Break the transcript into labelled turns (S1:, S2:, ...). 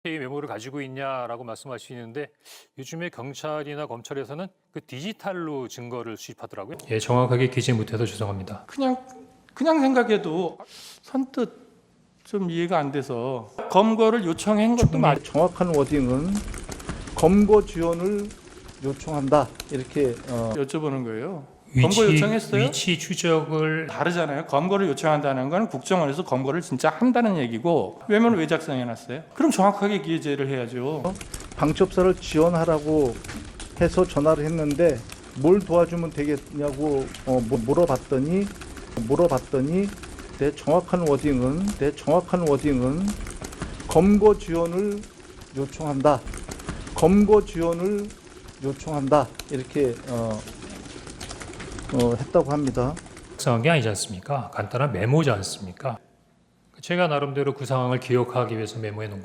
S1: 이 메모를 가지고 있냐라고 말씀하시는데 요즘에 경찰이나 검찰에서는 그 디지털로 증거를 수집하더라고요. 예, 정확하게 기재 못해서 죄송합니다.
S2: 그냥 생각해도 선뜻 좀 이해가 안 돼서 검거를 요청한 것도 맞.
S3: 정확한 워딩은 검거 지원을 요청한다 이렇게
S2: 여쭤보는 거예요. 검거 요청했어요?
S1: 위치 추적을
S2: 다르잖아요. 검거를 요청한다는 건 국정원에서 검거를 진짜 한다는 얘기고 메모를 왜 작성해놨어요? 그럼 정확하게 기재를 해야죠.
S3: 방첩사를 지원하라고 해서 전화를 했는데 뭘 도와주면 되겠냐고 물어봤더니 내 정확한 워딩은 검거 지원을 요청한다. 검거 지원을 요청한다 이렇게 했다고 합니다.
S1: 작성한 게 아니지 않습니까? 간단한 메모지 않습니까? 제가 나름대로 그 상황을 기억하기 위해서 메모해 놓은